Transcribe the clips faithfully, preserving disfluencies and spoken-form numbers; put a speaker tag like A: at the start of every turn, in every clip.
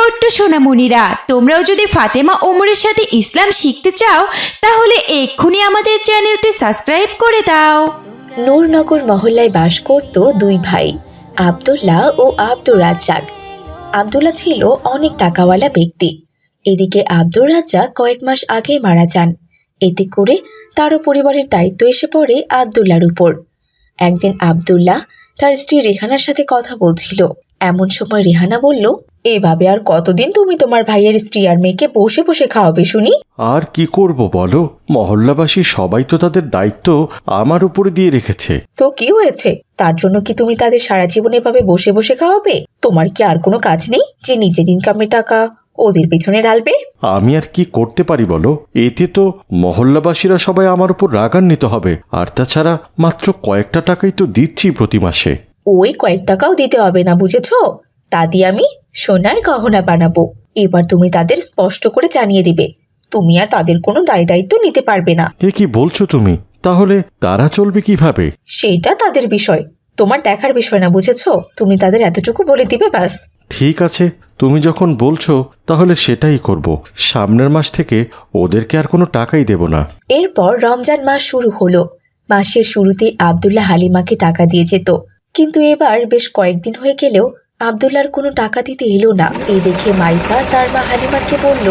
A: ছোট্ট সোনামণিরা, তোমরাও যদি ফাতেমা ওমরের সাথে ইসলাম শিখতে চাও তাহলে এক্ষুনি আমাদের চ্যানেলটি সাবস্ক্রাইব করে দাও।
B: নূরনগর মহল্লায় বাস করত দুই ভাই, আব্দুল্লাহ ও আব্দুর রাজ্জাক। আব্দুল্লাহ ছিল অনেক টাকাওয়ালা ব্যক্তি। এদিকে আব্দুর রাজ্জাক কয়েক মাস আগে মারা যান। এতে করে তারও পরিবারের দায়িত্ব এসে পড়ে আব্দুল্লাহর উপর। একদিন আব্দুল্লাহ তার স্ত্রী রেহানার সাথে কথা বলছিল। এমন সময় রেহানা বলল, এভাবে আর কতদিন তুমি তোমার ভাইয়ের স্ত্রী আর মেয়েকে বসে বসে খাওয়াবে শুনি?
C: আর কি করব বলো, মহল্লাবাসী সবাই তো তাদের দায়িত্ব আমার উপরে দিয়ে রেখেছে।
B: তো কি হয়েছে? তার জন্য কি তুমি তাদের সারা জীবন এভাবে বসে বসে খাওয়াবে? তোমার কি আর কোনো কাজ নেই যে নিজের ইনকামের টাকা ওদের পেছনে ঢালবে?
C: আমি আর কি করতে পারি বলো, এতে তো মহল্লাবাসীরা সবাই আমার উপর রাগান্বিত হবে। আর তাছাড়া মাত্র কয়েকটা টাকাই তো দিচ্ছি প্রতি মাসে।
B: ওই কয়েক টাকাও দিতে হবে না, বুঝেছো? তা দিয়ে আমি সোনার গহনা বানাবো। এবার তুমি তাদের স্পষ্ট করে জানিয়ে দিবে তুমি আর তাদের কোনো দায় দায়িত্ব নিতে পারবে না।
C: এ কি বলছো তুমি? তাহলে তারা চলবে কিভাবে?
B: সেটা তাদের বিষয়, তোমার দেখার বিষয় না, বুঝেছো? তুমি তাদের এতটুকু বলে দিবে ব্যাস।
C: ঠিক আছে, তুমি যখন বলছো তাহলে সেটাই করব। সামনের মাস থেকে ওদেরকে আর কোনো টাকাই দেব না।
B: এরপর রমজান মাস শুরু হলো। মাসের শুরুতে আব্দুল্লাহ হালিমাকে টাকা দিয়ে যেত, কিন্তু এবার বেশ কয়েকদিন হয়ে গেলেও আব্দুল্লাহর কোনো টাকা দিতে এলো না। এই দেখে মাইসা তার মা হালিমাকে বলল,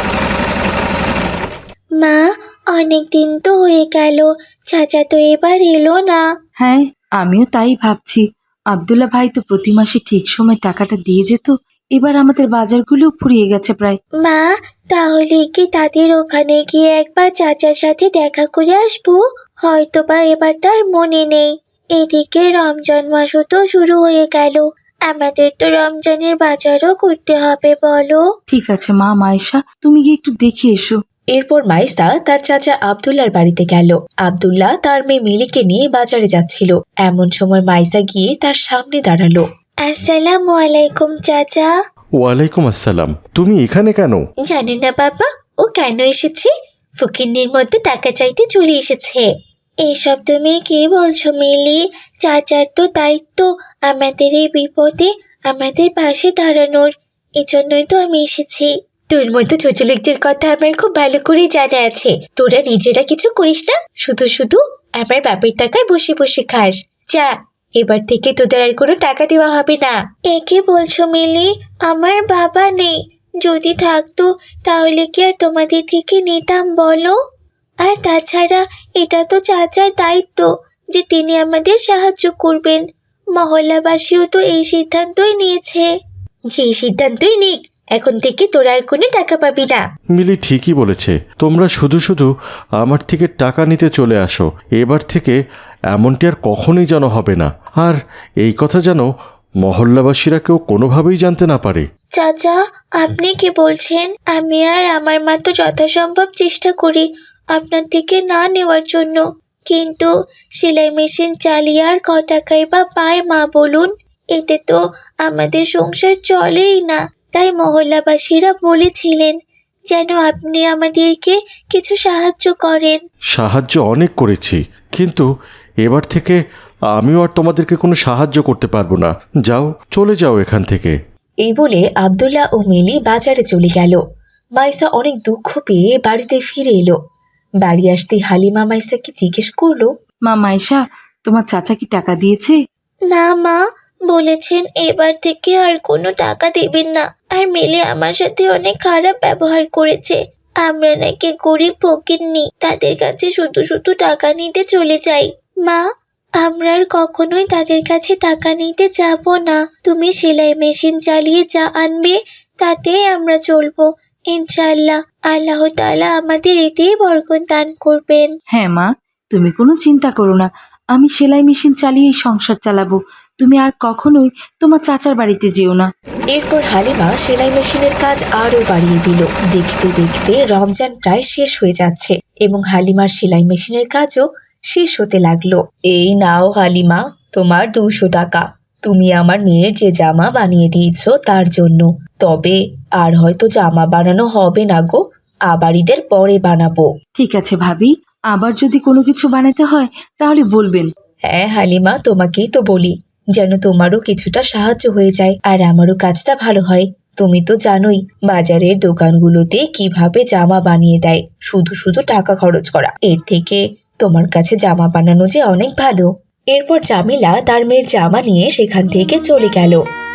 B: মা, অনেক দিন তো হয়ে গেল, চাচা তো এবার এলো না।
D: হ্যাঁ, আমিও তাই ভাবছি। আব্দুল্লাহ ভাই তো প্রতি মাসে ঠিক সময় টাকাটা দিয়ে যেত, এবার আমাদের বাজারগুলো ফুরিয়ে গেছে প্রায়।
B: মা, তাহলে কি তাদের ওখানে গিয়ে একবার চাচার সাথে দেখা করে আসবো? হয়তো বা এবার তার মনে নেই। এদিকে রমজান মাসও তো শুরু হয়ে গেল, আমাদের তো রমজানের বাজারও করতে হবে, বলো?
D: ঠিক আছে মা মায়েশা, তুমি গিয়ে একটু দেখে এসো।
B: এরপর মাইসা তার চাচা আব্দুল্লাহর বাড়িতে গেল। আব্দুল্লাহ তার মেয়ে মিলিকে নিয়ে বাজারে যাচ্ছিল। এমন সময় মাইসা গিয়ে তার সামনে দাঁড়ালো। আসসালামু আলাইকুম চাচা।
C: ওয়ালাইকুম আসসালাম। তুমি এখানে কেন?
B: জানেন না বাবা, ও কেন এসেছে? ফকিন্নির মধ্যে টাকা চাইতে চলে এসেছে। এসব তুমি কি বলছো মিলি? চাচার তো দায়িত্ব আমাদের এই বিপদে আমাদের পাশে দাঁড়ানোর, এজন্যই তো আমি এসেছি। তোর মতো ছোট লোকদের কথা আমার খুব ভালো করে জানা আছে। তোরা নিজেরা কিছু করিস না, শুধু শুধু আমার বাপের টাকায় বসে বসে খাস। যা, এবার থেকে তোদের আর কোনো টাকা দেওয়া হবে না। এ কি বলছো মিলি? আমার বাবা নেই, যদি থাকতো তাহলে কি আর তোমাদের থেকে নিতাম বলো? আর তাছাড়া এটা তো চাচার দায়িত্ব যে তিনি আমাদের সাহায্য করবেন। মহল্লাবাসীও তো এই সিদ্ধান্তই নিয়েছে। যে সিদ্ধান্তই নিক, এখন থেকে তোরা আর কোনো টাকা পাবি না।
C: মিলি ঠিকই বলেছে, তোমরা শুধু শুধু আমার থেকে টাকা নিতে চলে আসো। এবার থেকে এমনটি আর কখনোই যেন হবে না। আর এই কথা যেন মহল্লাবাসীরা কেউ কোনোভাবেই জানতে না পারে।
B: চাচা, আপনি কি বলছেন? আমি আর আমার মা তো যথাসম্ভব চেষ্টা করি আপনার থেকে না নেওয়ার জন্য, কিন্তু সেলাই মেশিন চালিয়ে আর ক টাকাই বা পায় মা বলুন? এতে তো আমাদের সংসার চলেই না। তাই মহল্লাবাসীরা বলেছিলেন যেন আপনি আমাদেরকে কিছু সাহায্য করেন।
C: সাহায্য অনেক করেছি, কিন্তু এবার থেকে আমিও আর তোমাদেরকে কোনো সাহায্য করতে পারবো না। যাও, চলে যাও এখান থেকে।
B: এই বলে আব্দুল্লাহ ও মিলি বাজারে চলে গেল। মাইসা অনেক দুঃখ পেয়ে বাড়িতে ফিরে এলো। বাড়ি আসতেই হালিমা মাইসাকে জিজ্ঞেস করলো,
D: মা মায়েশা, তোমার চাচা কি টাকা দিয়েছে?
B: না মা, বলেছেন এবার থেকে আর কোনো টাকা দেবেন না। আর মিলি আমার সাথে অনেক খারাপ ব্যবহার করেছে। আমরা নাকি গরিব ফকিন্নি, তাদের কাছে শুধু শুধু টাকা নিতে চলে যাই। মা, আমরা আর কখনোই তাদের কাছে টাকা নিতে যাব না। তুমি সেলাই মেশিন চালিয়ে যা আনবে তাতেই আমরা চলবো ইনশাআল্লাহ। আল্লাহ তাআলা আমাদের এতেই বরকত দান করবেন।
D: হ্যাঁ মা, তুমি কোনো চিন্তা করো না, আমি সেলাই মেশিন চালিয়েই সংসার চালাবো। তুমি আর কখনোই তোমার চাচার বাড়িতে যেও না।
B: এরপর হালিমা সেলাই মেশিনের কাজ আরো বাড়িয়ে দিল। দেখতে দেখতে রমজান প্রায় শেষ হয়ে যাচ্ছে এবং হালিমার সেলাই মেশিনের কাজও শেষ হতে লাগলো। এই নাও হালিমা, তোমার দুশো টাকা। তুমি আমার মেয়ের যে জামা বানিয়ে দিয়েছ তার জন্য। তবে আর হয়তো জামা বানানো হবে না গো, আবার ঈদের পরে বানাবো।
D: ঠিক আছে ভাবি, আবার যদি কোনো কিছু বানাতে হয় তাহলে বলবেন।
B: হ্যাঁ হালিমা, তোমাকেই তো বলি যেন তোমারও কিছুটা সাহায্য হয়ে যায় আর আমারও কাজটা ভালো হয়। তুমি তো জানোই বাজারের দোকানগুলোতে কিভাবে জামা বানিয়ে দেয়, শুধু শুধু টাকা খরচ করা। এর থেকে তোমার কাছে জামা বানানো যে অনেক ভালো। এরপর জামিলা তার মেয়ের জামা নিয়ে সেখান থেকে চলে গেল।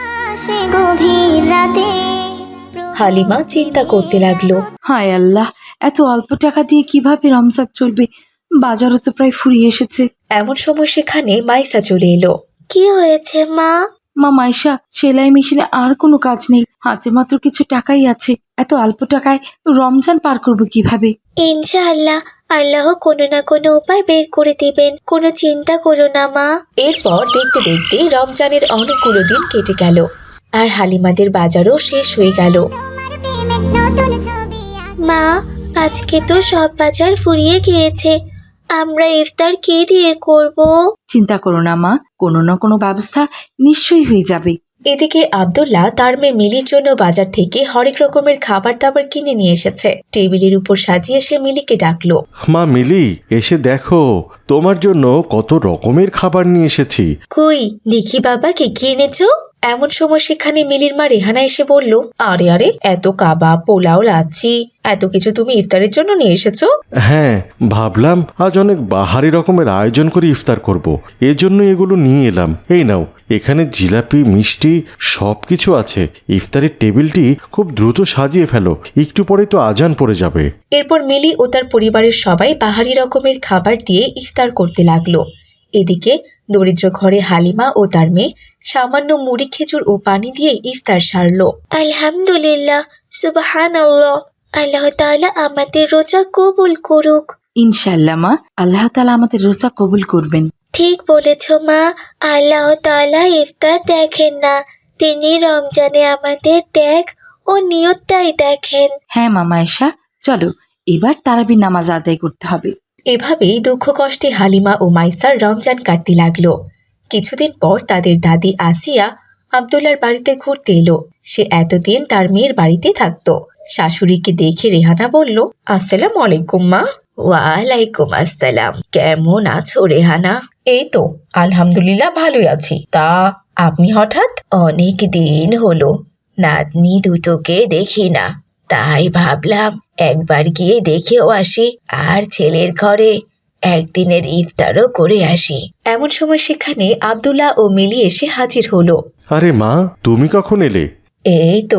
B: হালিমা চিন্তা করতে লাগলো,
D: হায় আল্লাহ, এত অল্প টাকা দিয়ে কিভাবে রমজান চলবে? বাজারও তো প্রায় ফুরিয়ে এসেছে।
B: এমন সময় সেখানে মাইসা চলে এলো। কি হয়েছে মা?
D: মা মাইশা, সেলাই মেশিনে আর কোনো কাজ নেই, হাতে মাত্র কিছু টাকাই আছে। এত অল্প টাকায় রমজান পার করবো কিভাবে?
B: ইনশাআল্লাহ আল্লাহ কোনো না কোনো উপায় বের করে দিবেন, কোনো চিন্তা করো না মা। এরপর দেখতে দেখতে রমজানের অনেকগুলো দিন কেটে গেল, আর হালিমাদের বাজারও শেষ হয়ে গেল। মা, আজকে তো সব বাজার ফুরিয়ে গিয়েছে, আমরা ইফতার কি দিয়ে করব?
D: চিন্তা করো না মা, কোনো না কোনো ব্যবস্থা নিশ্চয়ই হয়ে যাবে।
B: এদিকে আব্দুল্লাহ তার মেয়ে মিলির জন্য বাজার থেকে হরেক রকমের খাবার দাবার কিনে নিয়ে এসেছে। টেবিলের উপর সাজিয়ে সে মিলিকে ডাকলো।
C: মা মিলি, এসে দেখো, তোমার জন্য কত রকমের খাবার নিয়ে এসেছি।
B: কই দেখি বাবা, কি কি এনেছো? এমন সময় সেখানে মিলির মা রেহানা এসে বলল, আরে আরে, এত কাবাব, পোলাও, লাচ্ছি, এত কিছু তুমি ইফতারের জন্য নিয়ে এসেছো?
C: হ্যাঁ, ভাবলাম আজ অনেক বাহারি রকমের আয়োজন করে ইফতার করব, এজন্য এগুলো নিয়ে এলাম। এই নাও, এখানে জিলাপি, মিষ্টি সব কিছু আছে। ইফতারের টেবিলটি খুব দ্রুত সাজিয়ে ফেলো, একটু পরে তো আজান পড়ে যাবে।
B: এরপর মিলি ও তার পরিবারের সবাই বাহারি রকমের খাবার দিয়ে ইফতার করতে লাগলো। এদিকে দরিদ্র ঘরে হালিমা ও তার মেয়ে সামান্য মুড়ি, খেজুর ও পানি দিয়ে ইফতার সারলো। আলহামদুলিল্লাহ, সুবহানাল্লাহ, আল্লাহ তাআলা আমাদের রোজা কবুল করুক।
D: ইনশাআল্লাহ মা, আল্লাহ তাআলা আমাদের রোজা কবুল করবেন।
B: ঠিক বলেছ মা, আল্লাহ তাআলা ইফতার দেখেন না, তিনি রমজানে আমাদের ত্যাগ ও নিয়তটাই দেখেন।
D: হ্যাঁ মা মাইশা, চলো এবার তারাবির নামাজ আদায় করতে হবে।
B: এভাবেই দুঃখ কষ্টে হালিমা ও মাইসার রমজান কাটতে লাগলো। কিছুদিন পর তাদের দাদি আসিয়া আব্দুল্লার বাড়িতে ঘুরতে এলো। সে এতদিন তার মেয়ের বাড়িতে থাকতো। শাশুড়িকে দেখে রেহানা বলল, আসসালামু আলাইকুম মা। ওয়ালাইকুম আসসালাম, কেমন আছো রেহানা? এই তো আলহামদুলিল্লাহ ভালোই আছি। তা আপনি হঠাৎ? অনেক দিন হলো নাতনি দুটোকে দেখি না, তাই ভাবলাম একবার গিয়ে দেখেও আসি, আর ছেলের ঘরে একদিনের ইফতারও করে আসি। এমন সময় সেখানে আব্দুল্লাহ ও মিলি এসে হাজির হলো।
C: আরে মা, তুমি কখন এলে?
B: এই তো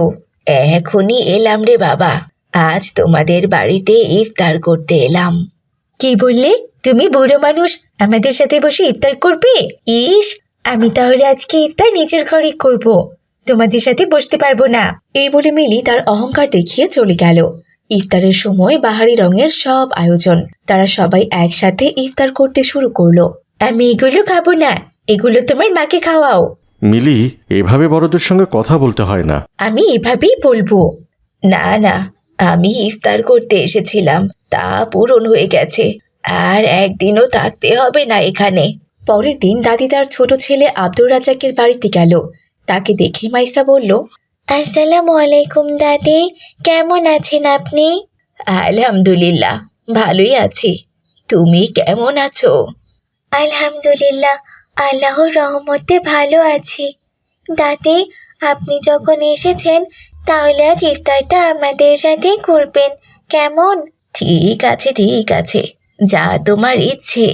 B: এখনই এলাম রে বাবা, আজ তোমাদের বাড়িতে ইফতার করতে এলাম। কি বললে? তুমি বুড়ো মানুষ আমাদের সাথে বসে ইফতার করবে? ইস, আমি তাহলে আজকে ইফতার নিজের ঘরে করব, তোমাদের সাথে বসতে পারবো না। এই বলে মিলি তার অহংকার দেখিয়ে চলে গেল। ইফতারের সময় বাহারি রঙের সব আয়োজন, তারা সবাই একসাথে ইফতার করতে শুরু করলো। আমি এগুলো খাবো না, এগুলো তোমার মাকে খাওয়াও।
C: মিলি, এভাবে বড়দের সঙ্গে কথা বলতে হয় না।
B: আমি এভাবেই বলবো। না না, আমি ইফতার করতে এসেছিলাম, তা পূরণ হয়ে গেছে, আর একদিনও থাকতে হবে না এখানে। পরের দিন দাদি তার ছোট ছেলে আব্দুর রাজাকের বাড়িতে গেল। তাকে দেখে মাইসা বলল, আসসালামু আলাইকুম দাদি, কেমন আছেন আপনি? আলহামদুলিল্লাহ, ভালোই আছি, তুমি কেমন আছো? আলহামদুলিল্লাহ, আল্লাহর রহমতে ভালো আছি। দাদি, আপনি যখন এসেছেন তাহলে আজ ইফতারটা আমাদের সাথে করবেন, কেমন? ঠিক আছে ঠিক আছে, যা তোমার ইচ্ছে।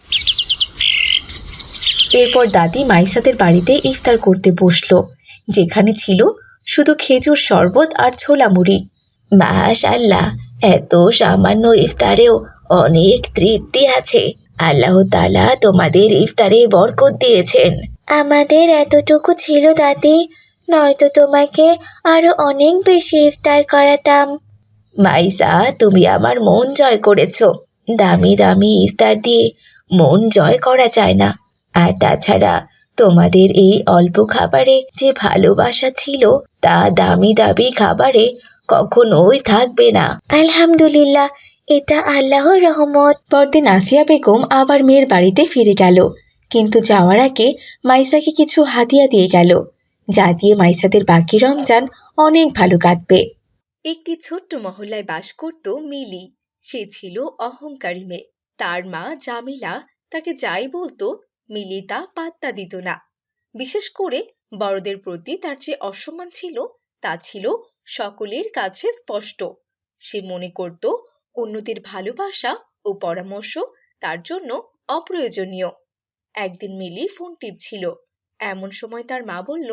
B: এরপর দাদি মাইসাদের বাড়িতে ইফতার করতে বসলো, যেখানে ছিল শুধু খেজুর শরবত আর ছোলা মুড়ি। মাশাআল্লাহ, এত সামান্য ইফতারেও অনেক তৃপ্তি আছে। আল্লাহ তাআলা তোমাদের ইফতারে বরকত দিয়েছেন। আমাদের এতটুকু ছিল দাদি, নয়তো তোমাকে আরো অনেক বেশি ইফতার করাতাম। মাইসা, তুমি আমার মন জয় করেছো। দামি দামি ইফতার দিয়ে মন জয় করা যায় না। আর তাছাড়া তোমাদের এই অল্প খাবারে যে ভালোবাসা ছিল, তা দামি দামি খাবারে কখনোই থাকবে না। আলহামদুলিল্লাহ, এটা আল্লাহর রহমত। পরদিন আসিয়া বেগম আবার মেয়ের বাড়িতে ফিরে গেল, কিন্তু যাওয়ার আগে মাইসাকে কিছু হাদিয়া দিয়ে গেল, যা দিয়ে মাইসাদের বাকি রমজান অনেক ভালো কাটবে। একটি ছোট্ট মহল্লায় বাস করত মিলি। সে ছিল অহংকারী মেয়ে। তার মা জামিলা তাকে যাই বলতো মিলি তা পাত্তা দিত না। বিশেষ করে বড়দের প্রতি তার যে অসম্মান ছিল
E: তা ছিল সকলের কাছে স্পষ্ট। সে মনে করত অন্যদের ভালোবাসা ও পরামর্শ তার জন্য অপ্রয়োজনীয়। একদিন মিলি ফোন টিপছিল, এমন সময় তার মা বলল,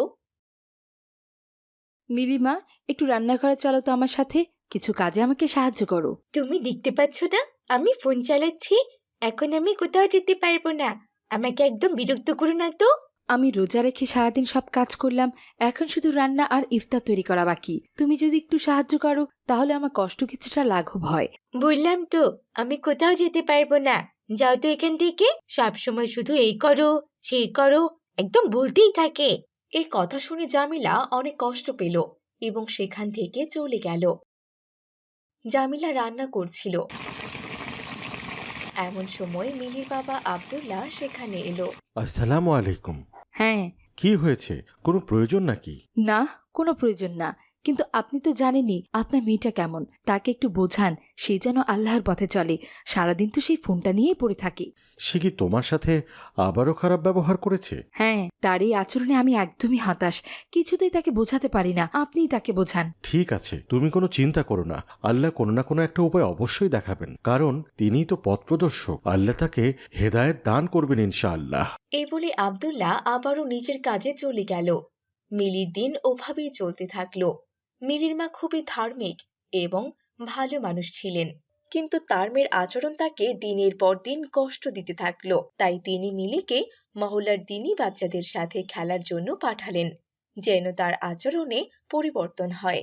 D: মিলি মা, একটু রান্নাঘরে চলো তো আমার সাথে, কিছু কাজে আমাকে সাহায্য করো।
B: তুমি দেখতে পাচ্ছ না আমি ফোন চালাচ্ছি? এখন আমি কোথাও যেতে পারবো না। আমাকে একদম বিরক্ত করো না তো।
D: আমি রোজা রেখে সারাদিন সব কাজ করলাম, এখন শুধু রান্না আর ইফতার তৈরি করা বাকি। তুমি যদি একটু সাহায্য করো তাহলে আমার কষ্ট কিছুটা লাঘব হয়।
B: বললাম তো আমি কোথাও যেতে পারবো না। যাও তো এখান থেকে। সব সময় শুধু এই করো সেই করো, একদম বলতেই থাকে।
E: এই কথা শুনে জামিলা অনেক কষ্ট পেল এবং সেখান থেকে চলে গেল। জামিলা রান্না করছিল, এমন সময় মিলির বাবা আব্দুল্লাহ সেখানে এলো।
C: আসসালামু আলাইকুম।
D: হ্যাঁ।
C: কি হয়েছে? কোনো প্রয়োজন নাকি?
D: না, কোনো প্রয়োজন না, কিন্তু আপনি তো জানেনই আপনার মেয়েটা কেমন। তাকে একটু বোঝান, সে যেন আল্লাহর পথে চলে। সারাদিন তো সেই ফোনটা নিয়েই পড়ে থাকে।
C: সে কি তোমার সাথে আবারও খারাপ ব্যবহার করেছে?
D: হ্যাঁ, তার এই আচরণে আমি একদমই হতাশ। কিছুতেই তাকে বোঝাতে পারি না, আপনিই তাকে বোঝান।
C: ঠিক আছে, তুমি কোনো চিন্তা করো না। আল্লাহ কোনো না কোনো একটা উপায় অবশ্যই দেখাবেন, কারণ তিনিই তো পথ প্রদর্শক। আল্লাহ তাকে হেদায়েত দান করবেন ইনশাআল্লাহ।
E: এই বলে আব্দুল্লাহ আবারও নিজের কাজে চলে গেল। মিলির দিন ওভাবেই চলতে থাকলো। মিলির মা খুবই ধার্মিক এবং ভালো মানুষ ছিলেন, কিন্তু তার মেয়ের আচরণ তাকে দিনের পর দিন কষ্ট দিতে থাকলো। তাই তিনি মিলিকে মহল্লার দিনী বাচ্চাদের সাথে খেলার জন্য পাঠালেন, যেন তার আচরণে পরিবর্তন হয়।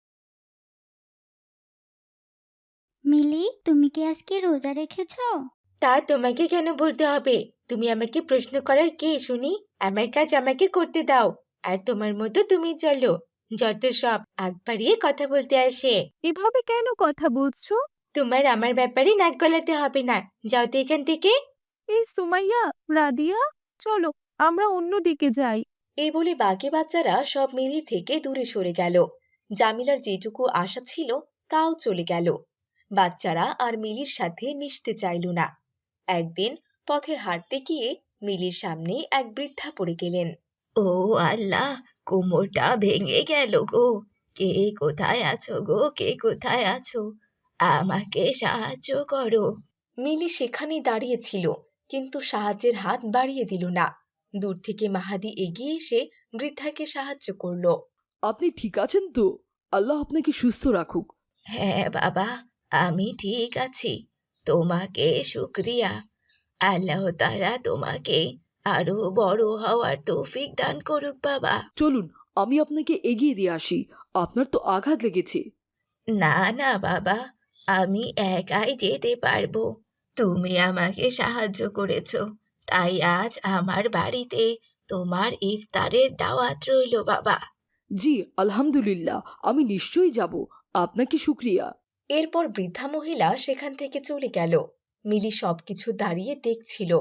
F: মিলি, তুমি কি আজকে রোজা রেখেছো?
B: তা তোমাকে কেন বলতে হবে? তুমি আমাকে প্রশ্ন করার কে শুনি? আমার কাজ আমাকে করতে দাও, আর তোমার মতো তুমি চলো। যত সব আগ বাড়িয়ে কথা বলতে আসে।
G: এভাবে কেন কথা বলছো?
B: তোমার আমার ব্যাপারে নাক গলাতে হবে না। যাও তো এখান থেকে।
G: এই সুমাইয়া, রাদিয়া, চলো আমরা অন্য দিকে যাই।
E: এই বলে বাকি বাচ্চারা সব মিলির থেকে দূরে সরে গেল। জামিলার যেটুকু আশা ছিল তাও চলে গেল। বাচ্চারা আর মিলির সাথে মিশতে চাইল না। একদিন পথে হাঁটতে গিয়ে মিলির সামনে এক বৃদ্ধা পড়ে গেলেন।
B: ও আল্লাহ, কোমরটা ভেঙে গেল গো। কে কোথায় আছো গো? কে কোথায় আছো? আমাকে সাহায্য করো।
E: মিলি সেখানেই দাঁড়িয়েছিল, কিন্তু সাহায্যের হাত বাড়িয়ে দিল না। দূর থেকে মাহাদি এগিয়ে এসে বৃদ্ধাকে সাহায্য করল।
H: আপনি ঠিক আছেন তো? আল্লাহ আপনাকে সুস্থ রাখুক।
B: হ্যাঁ বাবা, আমি ঠিক আছি। তোমাকে শুক্রিয়া। আল্লাহ তাআলা তোমাকে আরো বড় হওয়ার তৌফিক দান করুক বাবা।
H: চলুন আমি আপনাকে এগিয়ে দিয়ে আসি, আপনার তো আঘাত লেগেছে।
B: না না বাবা, আমি একাই যেতে পারবো। তুমি আমাকে সাহায্য করেছো, তাই আজ আমার বাড়িতে তোমার ইফতারের দাওয়াত রইল বাবা।
H: জি আলহামদুলিল্লাহ, আমি নিশ্চয়ই যাব। আপনাকে শুক্রিয়া।
E: এরপর বৃদ্ধা মহিলা সেখান থেকে চলে গেল। মিলি সবকিছু দাঁড়িয়ে দেখছিল।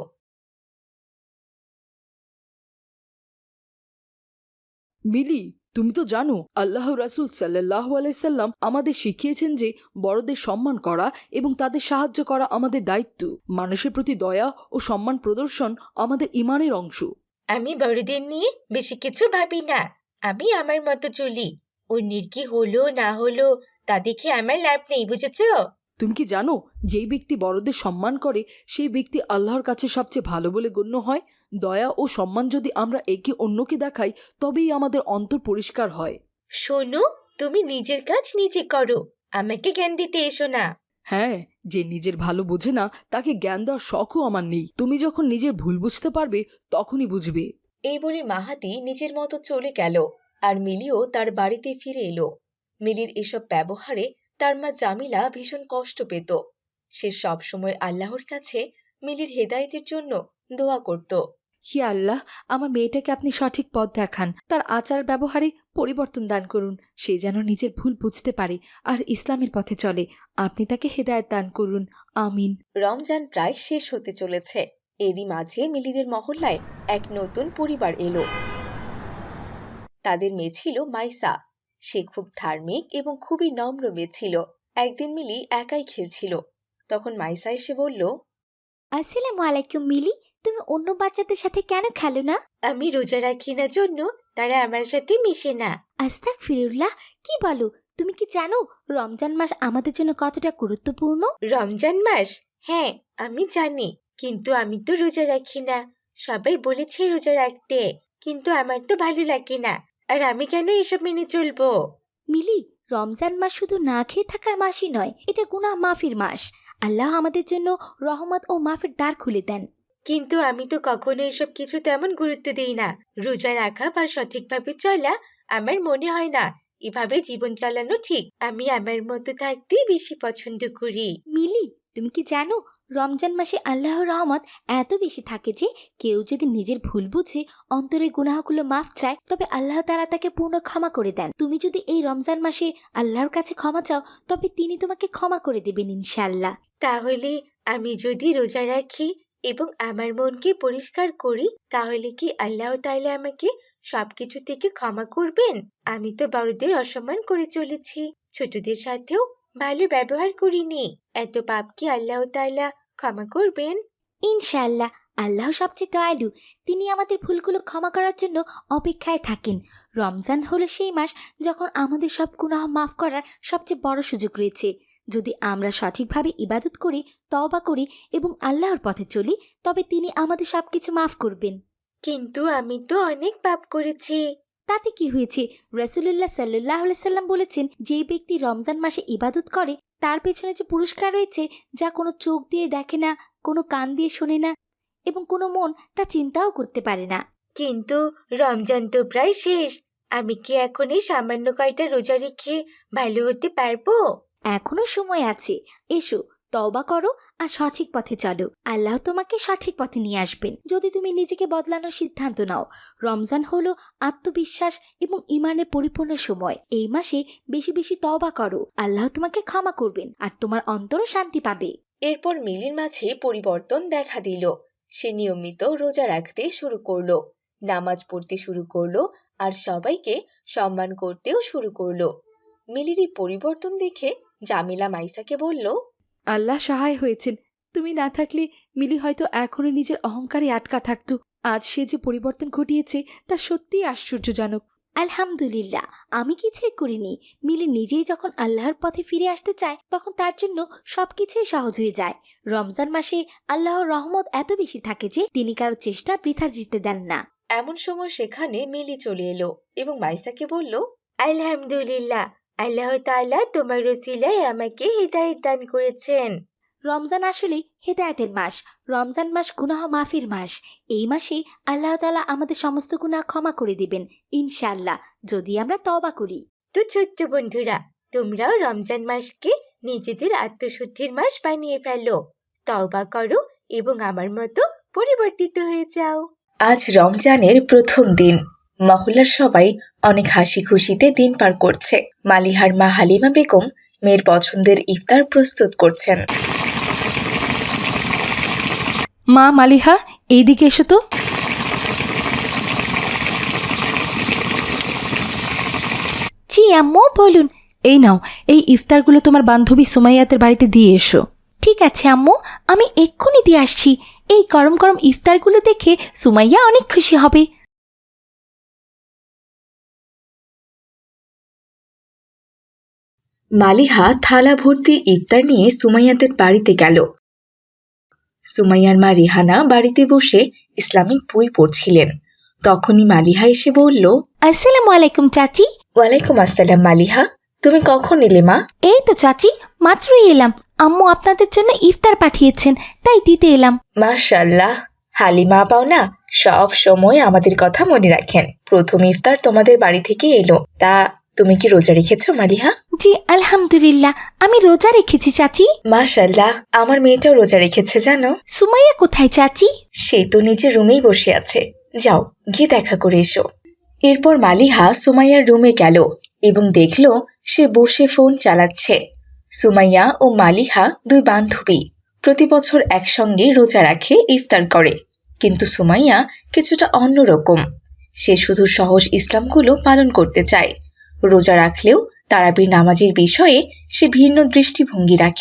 H: মিলি, তুমি তো জানো আল্লাহ রাসূল সাল্লাল্লাহু আলাইহি সাল্লাম আমাদের শিখিয়েছেন যে বড়দের সম্মান করা এবং তাদের সাহায্য করা আমাদের দায়িত্ব। মানুষের প্রতি দয়া ও সম্মান প্রদর্শন আমাদের ঈমানের অংশ।
B: আমি বড়দের নিয়ে বেশি কিছু ভাবি না। আমি আমার মতো চলি। অন্যের কি হলো না হলো তা দেখে আমার লাভ নেই, বুঝেছো?
H: তুমি কি জানো, যেই ব্যক্তি বড়দের সম্মান করে সেই ব্যক্তি আল্লাহর কাছে সবচেয়ে ভালো বলে গণ্য হয়। দয়া ও সম্মান যদি আমরা একে অন্যকে দেখাই তবেই আমাদের অন্তর পরিষ্কার হয়।
B: শোনো, তুমি নিজের কাজ নিজে করো, আমাকে জ্ঞান দিতে এসো না।
H: হ্যাঁ, যে নিজের ভালো বোঝে না তাকে জ্ঞান দেওয়ার শখও আমার নেই। তুমি যখন নিজের ভুল বুঝতে পারবে তখনই বুঝবে।
E: এই বলে মাহাদি নিজের মতো চলে গেল, আর মিলিও তার বাড়িতে ফিরে এলো। মিলির এসব ব্যবহারে তার মা জামিলা ভীষণ কষ্ট পেত। সে সবসময় আল্লাহর কাছে মিলির হেদায়েতের জন্য দোয়া করত।
D: হি আল্লাহ, আমার মেয়েটাকে আপনি সঠিক পথ দেখান, তার আচার ব্যবহারে পরিবর্তন দান করুন। সে যেন নিজের ভুল বুঝতে পারে আর ইসলামের পথে চলে। আপনি তাকে হেদায়েত দান করুন, আমিন।
E: রমজান প্রায় শেষ হতে চলেছে। এরই মাঝে মিলিদের মহল্লায় এক নতুন পরিবার এলো। তাদের মেয়ে ছিল মাইসা। সে খুব ধার্মিক এবং খুবই নম্র মেয়ে ছিল। একদিন মিলি একাই খেলছিল, তখন মাইসা এসে বলল,
F: আসসালামু আলাইকুম মিলি, তুমি অন্য বাচ্চাদের সাথে কেন খেলো না?
B: আমি রোজা রাখি না জন্য তারা আমার সাথে মিশে না।
F: আস্তাগফিরুল্লাহ, কি বলো? তুমি কি জানো রমজান মাস আমাদের জন্য কতটা গুরুত্বপূর্ণ?
B: রমজান মাস? হ্যাঁ, আমি জানি, কিন্তু আমি তো রোজা রাখি না। সবাই বলেছে রোজা রাখতে, কিন্তু আমার তো ভালো লাগে না। আর আমি কেন এসব মেনে চলবো?
F: মিলি, রমজান মাস শুধু না খেয়ে থাকার মাসই নয়, এটা গুনাহ মাফির মাস। আল্লাহ আমাদের জন্য রহমত ও মাফের দ্বার খুলে দেন।
B: কিন্তু আমি তো কখনো এসব কিছু তেমন গুরুত্ব দিই না। রোজা রাখা বা সঠিকভাবে চলা আমার মনে হয় না এভাবে জীবন চালানো ঠিক। আমি আমার মতো থাকতেই বেশি পছন্দ করি।
F: মিলি, তুমি কি জানো রমজান মাসে আল্লাহর রহমত এত বেশি থাকে যে কেউ যদি নিজের ভুল বুঝে অন্তরে গুনাহগুলো মাফ চায়, তবে আল্লাহ তাআলা তাকে পূর্ণ ক্ষমা করে দেন। তুমি যদি এই রমজান মাসে আল্লাহর কাছে ক্ষমা চাও, তবে তিনি তোমাকে ক্ষমা করে দেবেন ইনশাআল্লাহ।
B: তাহলে আমি যদি রোজা রাখি এবং আমার মনকে পরিষ্কার করি, তাহলে কি আল্লাহ তাআলা আমাকে সবকিছু থেকে ক্ষমা করবেন? আমি তো বড়দের অসম্মান করে চলেছি, ছোটদের সাথেও ভালো ব্যবহার করিনি। এত পাপ কি আল্লাহ তাআলা ক্ষমা করবেন?
F: ইনশাআল্লাহ, আল্লাহ সবচেয়ে দয়ালু। তিনি আমাদের ভুলগুলো ক্ষমা করার জন্য অপেক্ষায় থাকেন। রমজান হলো সেই মাস যখন আমাদের সব গুনাহ মাফ করার সবচেয়ে বড় সুযোগ রয়েছে। যদি আমরা সঠিকভাবে ইবাদত করি, তওবা করি এবং আল্লাহর পথে চলি, তবে তিনি আমাদের সবকিছু মাফ করবেন।
B: কিন্তু আমি তো অনেক পাপ করেছি।
F: তাতে কি হয়েছে? রাসূলুল্লাহ সাল্লাল্লাহু আলাইহি সাল্লাম বলেছেন, যে ব্যক্তি রমজান মাসে ইবাদত করে তার পেছনে যে পুরস্কার রয়েছে, যা কোনো চোখ দিয়ে দেখে না, কোনো কান দিয়ে শোনে না এবং কোনো মন তা চিন্তাও করতে পারে না।
B: কিন্তু রমজান তো প্রায় শেষ। আমি কি এখন এই সামান্য কয়টা রোজা রেখে ভালো হতে পারবো?
F: এখনো সময় আছে। এসো, তওবা করো আর সঠিক পথে চলো। আল্লাহ তোমাকে সঠিক পথে নিয়ে আসবেন যদি তুমি নিজেকে বদলানোর সিদ্ধান্ত নাও। রমজান হলো আত্মবিশ্বাস এবং ইমানের পরিপূর্ণ সময়। এই মাসে বেশি বেশি তওবা করো, আল্লাহ তোমাকে ক্ষমা করবেন আর তোমার অন্তরও শান্তি পাবে।
E: এরপর মিলির মাঝে পরিবর্তন দেখা দিল। সে নিয়মিত রোজা রাখতে শুরু করলো, নামাজ পড়তে শুরু করলো আর সবাইকে সম্মান করতেও শুরু করলো। মিলির এই পরিবর্তন দেখে জামিলা মাইসাকে বলল,
D: আল্লাহ সহায় হয়েছেন। তুমি না থাকলে মিলি হয়তো এখনো নিজের অহংকারে আটকা থাকতো। আজ সে যে পরিবর্তন ঘটিয়েছে তা সত্যিই আশ্চর্যজনক।
F: আলহামদুলিল্লাহ, আমি কিছুই করিনি। মিলি নিজেই যখন আল্লাহর পথে ফিরে আসতে চায়, তখন তার জন্য সবকিছুই সহজ হয়ে যায়। রমজান মাসে আল্লাহর রহমত এত বেশি থাকে যে তিনি কারো চেষ্টা বৃথা যেতে দেন না।
E: এমন সময় সেখানে মিলি চলে এলো এবং মাইসাকে বলল,
B: আলহামদুলিল্লাহ, আল্লাহ তাআলা তোমার ওসিলায় আমাকে হিদায়াত দান করেছেন।
F: রমজান আসলে হেদায়েতের মাস। রমজান মাস গুনাহ মাফির মাস। এই মাসে আল্লাহ তাআলা আমাদের সমস্ত গুনাহ ক্ষমা করে দিবেন ইনশাআল্লাহ, যদি আমরা তওবা করি।
B: তো ছোট্ট বন্ধুরা, তোমরাও রমজান মাসকে নিজেদের আত্মশুদ্ধির মাস বানিয়ে ফেলো, তওবা করো এবং আমার মতো পরিবর্তিত হয়ে যাও।
E: আজ রমজানের প্রথম দিন। মহল্লার সবাই অনেক হাসি খুশিতে দিন পার করছে। মালিহার মা হালিমা বেগম মেয়ের পছন্দের ইফতার প্রস্তুত করছেন।
D: মা মালিহা, এইদিকে এসো তো।
F: জি আম্মু, বলুন।
D: এই নাও, এই ইফতারগুলো তোমার বান্ধবী সুমাইয়াতের বাড়িতে দিয়ে এসো।
F: ঠিক আছে আম্মু, আমি এক্ষুনি দিয়ে আসছি। এই গরম গরম ইফতারগুলো দেখে সুমাইয়া অনেক খুশি হবে।
E: মালিহা থালা ভর্তি ইফতার নিয়ে সুমাইয়াদের বাড়িতে গেল। সুমাইয়ার মা রেহানা বাড়িতে বসে ইসলামিক বই পড়ছিলেন। তখনই মালিহা এসে বলল,
F: আসসালামু আলাইকুম চাচি।
E: ওয়ালাইকুম আসসালাম মালিহা, তুমি কখন এলে মা?
F: এই তো চাচি, মাত্রই এলাম। আম্মু আপনাদের জন্য ইফতার পাঠিয়েছেন, তাই দিতে এলাম।
E: মাশাআল্লাহ, হালিমা আপাও না সব সময় আমাদের কথা মনে রাখেন। প্রথম ইফতার তোমাদের বাড়ি থেকে এলো। তা তুমি কি রোজা রেখেছো মালিহা?
F: জি আলহামদুলিল্লাহ, আমি রোজা রেখেছি চাচি।
E: মাশাআল্লাহ, আমার মেয়েটাও রোজা রেখেছে জানো।
F: সুমাইয়া কোথায় চাচি?
E: সে তো নিজের রুমেই বসে আছে, যাও গিয়ে দেখা করে এসো। এরপর মালিহা সুমাইয়ার রুমে গেল এবং দেখল সে বসে ফোন চালাচ্ছে। সুমাইয়া ও মালিহা দুই বান্ধবী, প্রতি বছর একসঙ্গে রোজা রাখে, ইফতার করে। কিন্তু সুমাইয়া কিছুটা অন্যরকম। সে শুধু সহজ ইসলামগুলো পালন করতে চায়। রোজা রাখলেও তারাবির নামাজের বিষয়ে সে ভিন্ন দৃষ্টিভঙ্গি রাখে।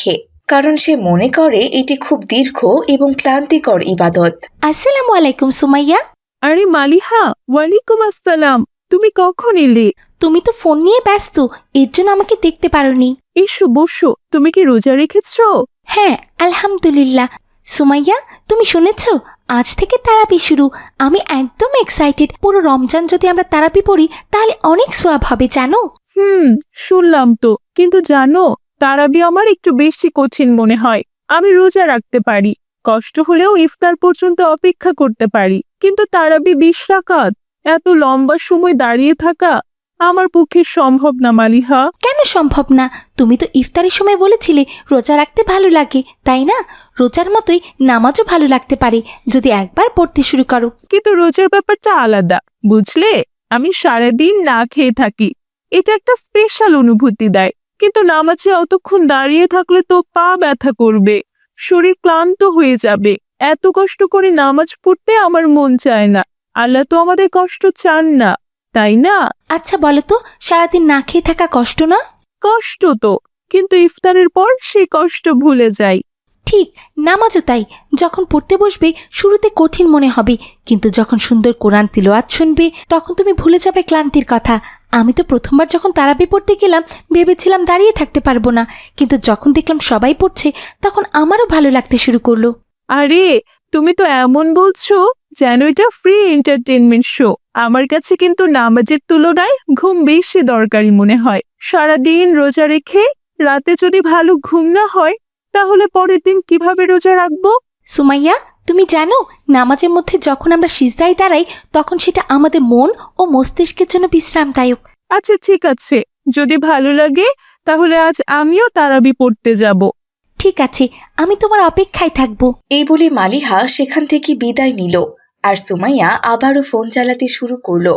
E: কারণ সে মনে করে এটি খুব দীর্ঘ এবং ক্লান্তিকর ইবাদত।
F: আসসালামু আলাইকুম সুমাইয়া।
G: আরে মালিহা, ওয়ালাইকুম আসসালাম। তুমি কখন এলে?
F: তুমি তো ফোন নিয়ে ব্যস্ত, এর জন্য আমাকে দেখতে পারোনি।
G: এসো বসো। তুমি কি রোজা রেখেছো?
F: হ্যাঁ আলহামদুলিল্লাহ। সুমাইয়া, তুমি শুনেছ আজ থেকে তারাবি শুরু। আমি একদম এক্সাইটেড। পুরো রমজান যদি আমরা তারাবি পড়ি তাহলে অনেক সোয়াব হবে জানো।
G: হুম, শুনলাম তো। কিন্তু জানো, তারাবি আমার একটু বেশি কঠিন মনে হয়। আমি রোজা রাখতে পারি, কষ্ট হলেও ইফতার পর্যন্ত অপেক্ষা করতে পারি, কিন্তু তারাবি বিশ রাকাত, এত লম্বা সময় দাঁড়িয়ে থাকা আমার পক্ষে সম্ভব না মালিহা।
F: কেন সম্ভব না? তুমি তো ইফতারের সময় বলেছিলে রোজা রাখতে ভালো লাগে, তাই না? রোজার মতোই নামাজও ভালো লাগতে পারে যদি একবার পড়তে শুরু করো।
G: কিন্তু রোজার ব্যাপারটা আলাদা, বুঝলে? আমি সারাদিন না খেয়ে থাকি, এটা একটা স্পেশাল অনুভূতি দেয়। কিন্তু নামাজে অতক্ষণ দাঁড়িয়ে থাকলে তো পা ব্যথা করবে, শরীর ক্লান্ত হয়ে যাবে। এত কষ্ট করে নামাজ পড়তে আমার মন চায় না। আল্লাহ তো আমাদের কষ্ট চান না, তাই না?
F: আচ্ছা বলো তো, সারাদিন না খেয়ে থাকা কষ্ট না?
G: কষ্ট তো, কিন্তু ইফতারের পর সেই কষ্ট ভুলে যাই।
F: ঠিক, নামাজও তাই। যখন পড়তে বসবে শুরুতে কঠিন মনে হবে, কিন্তু যখন সুন্দর কোরআন তিলাওয়াত শুনবে তখন তুমি ভুলে যাবে ক্লান্তির কথা। আমি তো প্রথমবার যখন তারাবি পড়তে গেলাম ভেবেছিলাম দাঁড়িয়ে থাকতে পারবো না, কিন্তু যখন দেখলাম সবাই পড়ছে তখন আমারও ভালো লাগতে শুরু করলো।
G: আরে, তুমি তো এমন বলছো যেন এটা ফ্রি এন্টারটেনমেন্ট শো। আমার কাছে কিন্তু নামাজের তুলনায় ঘুম বেশি দরকারি মনে হয়। সারাদিন রোজা রেখে রাতে যদি ভালো ঘুম না হয় তাহলে পরের দিন কিভাবে রোজা রাখবো?
F: সুমাইয়া, তুমি জানো নামাজের মধ্যে যখন আমরা সিজদায় দাঁড়াই তখন সেটা আমাদের মন ও মস্তিষ্কের জন্য বিশ্রামদায়ক।
G: আচ্ছা ঠিক আছে, যদি ভালো লাগে তাহলে আজ আমিও তারাবি পড়তে যাব।
F: ঠিক আছে, আমি তোমার অপেক্ষায় থাকবো।
E: এই বলে মালিহা সেখান থেকে বিদায় নিল, আর সুমাইয়া আবারও ফোন চালাতে শুরু করলো।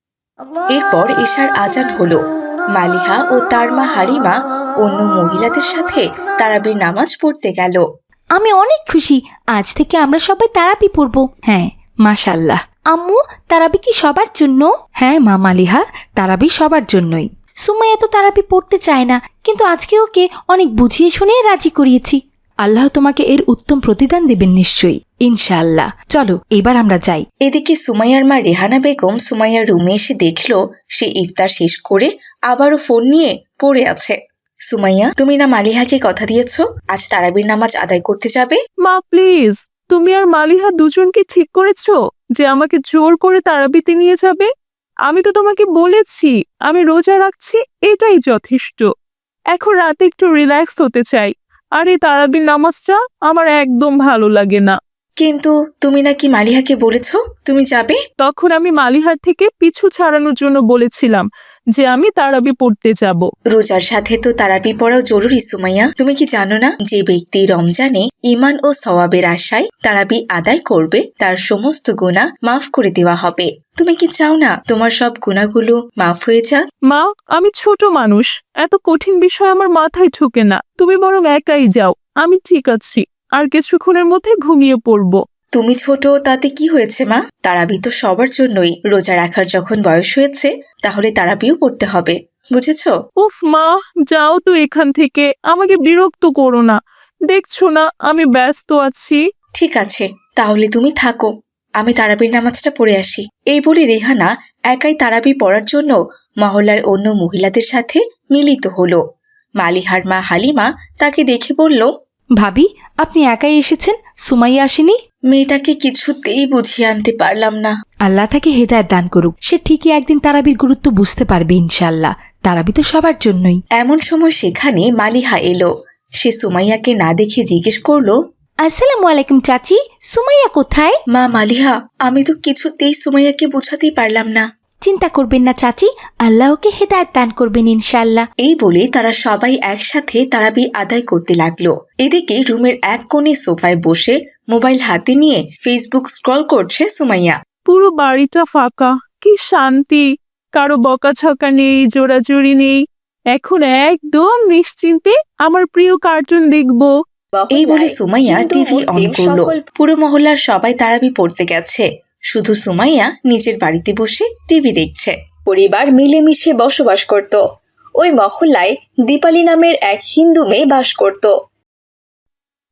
E: এরপর এশার আজান হলো। মালিহা ও তার মা হালিমা অন্য মহিলাদের সাথে তারাবির নামাজ পড়তে গেল।
F: আমি অনেক খুশি, আজ থেকে আমরা সবাই তারাবি পড়বো।
D: হ্যাঁ মাশাল্লাহ।
F: আম্মু, তারাবি কি সবার জন্য?
D: হ্যাঁ মা মালিহা, তারাবি সবার জন্যই।
F: সুমাইয়া তো তারাবি পড়তে চায় না, কিন্তু আজকে ওকে অনেক বুঝিয়ে শুনে রাজি করিয়েছি।
D: আল্লাহ তোমাকে এর উত্তম প্রতিদান দেবেন নিশ্চয়ই, ইনশাআল্লাহ। চলো এবার আমরা যাই।
E: এদিকে সুমাইয়ার মা রেহানা বেগম সুমাইয়ার রুমে এসে দেখল সে ইফতার শেষ করে আবারও ফোন নিয়ে পড়ে আছে। সুমাইয়া, তুমি না মালিহাকে কথা দিয়েছো আজ তারাবির নামাজ আদায় করতে যাবে?
G: মা প্লিজ, তুমি আর মালিহা দুজনকে ঠিক করেছো যে আমাকে জোর করে তারাবিতে নিয়ে যাবে? আমি তো তোমাকে বলেছি আমি রোজা রাখছি, এটাই যথেষ্ট। এখন রাতে একটু রিল্যাক্স হতে চাই, আর এই তারাবির নামাজটা আমার একদম ভালো লাগে না।
E: কিন্তু তুমি নাকি মালিহাকে বলেছো তুমি যাবে?
G: তখন আমি মালিহার থেকে পিছু ছাড়ানোর জন্য বলেছিলাম যে আমি তারাবি পড়তে যাব।
E: রোজার সাথে তো তারাবি পড়াও জরুরি সুমাইয়া। তুমি কি জানো না যে ব্যক্তি রমজানে ঈমান ও সওয়াবের আশায় তারাবি আদায় করবে তার সমস্ত গুনাহ মাফ করে দেওয়া হবে? তুমি কি চাও না তোমার সব গুনাহগুলো মাফ হয়ে যাক?
G: মা, আমি ছোট মানুষ, এত কঠিন বিষয় আমার মাথায় ঢোকে না। তুমি বরং একাই যাও, আমি ঠিক আছি, আর কিছুক্ষণের মধ্যে ঘুমিয়ে পড়বো।
E: তুমি ছোট তাতে কি হয়েছে মা? তারাবি তো সবার জন্যই। রোজা রাখার যখন বয়স হয়েছে তাহলে তারাবিও পড়তে হবে, বুঝেছো?
G: উফ মা, যাও তো এখান থেকে, আমাকে বিরক্ত করো না। দেখছো না আমি ব্যস্ত আছি।
E: ঠিক আছে, তাহলে তুমি থাকো, আমি তারাবির নামাজটা পড়ে আসি। এই বলে রেহানা একাই তারাবি পড়ার জন্য মহল্লার অন্য মহিলাদের সাথে মিলিত হলো। মালিহার মা হালিমা তাকে দেখে বলল,
D: ভাবি, আপনি একাই এসেছেন, সুমাইয়া আসেনি?
E: মেয়েটাকে কিছুতেই বুঝিয়ে আনতে পারলাম না।
D: আল্লাহ তাকে হেদায়েত দান করুক, সে ঠিকই একদিন তারাবির গুরুত্ব বুঝতে পারবে ইনশাআল্লাহ। তারাবি তো সবার জন্যই।
E: এমন সময় সেখানে মালিহা এলো। সে সুমাইয়াকে না দেখে জিজ্ঞেস করলো,
F: আসসালামু আলাইকুম চাচি, সুমাইয়া কোথায়?
E: মা মালিহা, আমি তো কিছুতেই সুমাইয়াকে বোঝাতেই পারলাম না।
F: চিন্তা করবেন না চাচি, আল্লাহ ওকে হেদায়েত দান করবেন ইনশাআল্লাহ।
E: এই বলে তারা সবাই একসাথে তারাবি আদায় করতে লাগলো। এদিকে রুমের এক কোণে সোফায় বসে মোবাইল হাতে নিয়ে ফেসবুক স্ক্রল করছে সুমাইয়া।
G: পুরো বাড়িটা ফাঁকা, কি শান্তি, কারো বকাঝকা নেই, জোরাজুরি নেই। এখন একদম নিশ্চিন্তে আমার প্রিয় কার্টুন দেখবো।
E: এই বলে সুমাইয়া টিভি অন করলো। পুরো মহল্লার সবাই তারাবি পড়তে গেছে, শুধু সুমাইয়া নিজের বাড়িতে বসে টিভি দেখছে।
I: পরিবার মিলেমিশে বসবাস করত। ওই মহল্লায় দীপালি নামের এক হিন্দু মেয়ে বাস করত।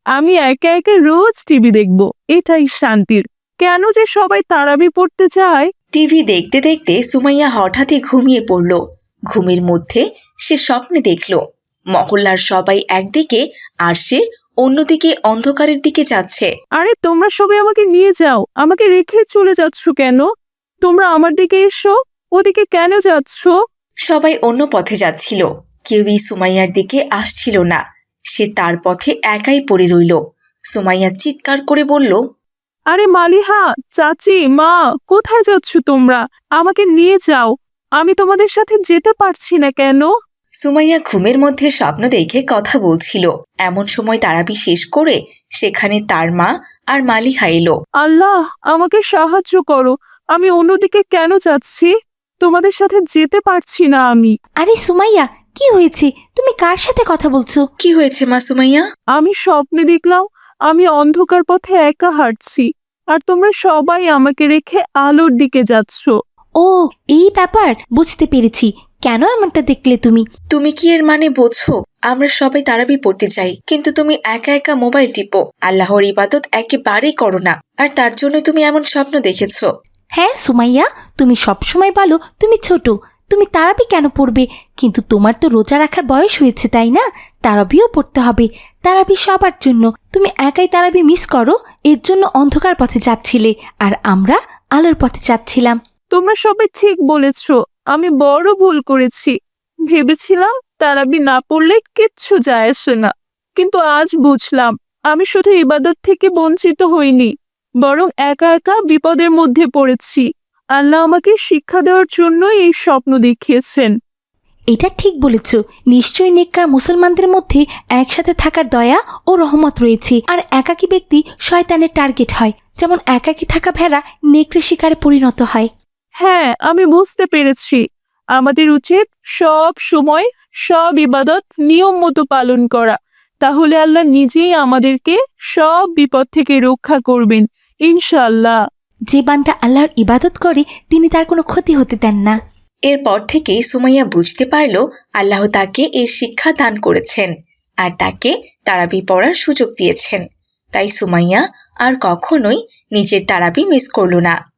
G: আমি একা একা রোজ টিভি দেখব, এটাই শান্তির। কেন যে সবাই তারাবি পড়তে চায়।
E: টিভি দেখতে দেখতে সুমাইয়া হঠাৎই ঘুমিয়ে পড়ল। ঘুমের মধ্যে সে স্বপ্নে দেখল মহল্লার সবাই একদিকে আর সে অন্যদিকে অন্ধকারের দিকে যাচ্ছে।
G: আরে তোমরা সবাই আমাকে নিয়ে যাও, আমাকে রেখে চলে যাচ্ছ কেন? তোমরা আমার দিকে এসো, ওদিকে কেন যাচ্ছ?
E: সবাই অন্য পথে যাচ্ছিল, কেউই সুমাইয়ার দিকে আসছিল না। সে তার পথে একাই পড়ে রইল। সুমাইয়া চিৎকার করে বলল,
G: আরে মালিহা, চাচি, মা, কোথায় যাচ্ছ তোমরা? আমাকে নিয়ে যাও, আমি তোমাদের সাথে যেতে পারছি না কেন?
E: সুমাইয়া ঘুমের মধ্যে স্বপ্ন দেখে কথা বলছিল। এমন সময় তারাবি শেষ করে সেখানে তার মা আর মালিহা এলো।
G: আল্লাহ, আমাকে সাহায্য করো, আমি অন্যদিকে কেন যাচ্ছি? তোমাদের সাথে যেতে পারছি না আমি।
F: আরে সুমাইয়া, কি হয়েছে? তুমি কার সাথে কথা বলছো?
E: কি হয়েছে মা সুমাইয়া?
G: আমি স্বপ্নে দেখলাম আমি অন্ধকার পথে একা হাঁটছি, আর তোমরা সবাই আমাকে রেখে আলোর দিকে যাচ্ছ।
F: ও, এই ব্যাপার, বুঝতে পেরেছি। কেন এমনটা দেখলে তুমি?
E: তুমি কি এর মানে বোঝো? আমরা সবাই তারাবি পড়তে চাই, কিন্তু তুমি একা একা মোবাইল টিপো, আল্লাহর ইবাদত একেবারেই করো না, আর তার জন্য তুমি এমন স্বপ্ন দেখেছো।
F: হ্যাঁ সুমাইয়া, তুমি সবসময় বলো তুমি ছোট, তুমি তারাবি কেন পড়বে, কিন্তু তোমার তো রোজা রাখার বয়স হয়েছে, তাই না? তারাবিও পড়তে হবে। তারাবি সবার জন্য। তুমি একাই তারাবি মিস করো, এর জন্য অন্ধকার পথে যাচ্ছিলে, আর আমরা আলোর পথে যাচ্ছিলাম।
G: তোমরা সবাই ঠিক বলেছ, আমি বড় ভুল করেছি। ভেবেছিলাম তারাবি না পড়লে কিচ্ছু যায় আসে না, কিন্তু আজ বুঝলাম আমি শুধু ইবাদত থেকে বঞ্চিত হইনি, বরং একা একা বিপদের মধ্যে পড়েছি। আল্লাহ আমাকে শিক্ষা দেওয়ার জন্য এই স্বপ্ন দেখিয়েছেন।
F: এটা ঠিক বলেছ। নিশ্চয়ই নেককার মুসলমানদের মধ্যে একসাথে থাকার দয়া ও রহমত রয়েছে, আর একাকী ব্যক্তি শয়তানের টার্গেট হয়, যেমন একাকী থাকা ভেড়া নেকড়ে শিকারে পরিণত হয়।
G: হ্যাঁ, আমি বুঝতে পেরেছি। আমাদের উচিত সব সময় সব ইবাদত নিয়ম মতো পালন করা, তাহলে আল্লাহ নিজেই আমাদেরকে সব বিপদ থেকে রক্ষা করবেন ইনশাআল্লাহ।
F: যে বান্দা আল্লাহর ইবাদত করে তিনি তার কোনো ক্ষতি হতে দেন না।
E: এরপর থেকে সুমাইয়া বুঝতে পারল আল্লাহ তাকে এর শিক্ষা দান করেছেন আর তাকে তারাবি পড়ার সুযোগ দিয়েছেন। তাই সুমাইয়া আর কখনোই নিজের তারাবি মিস করল না।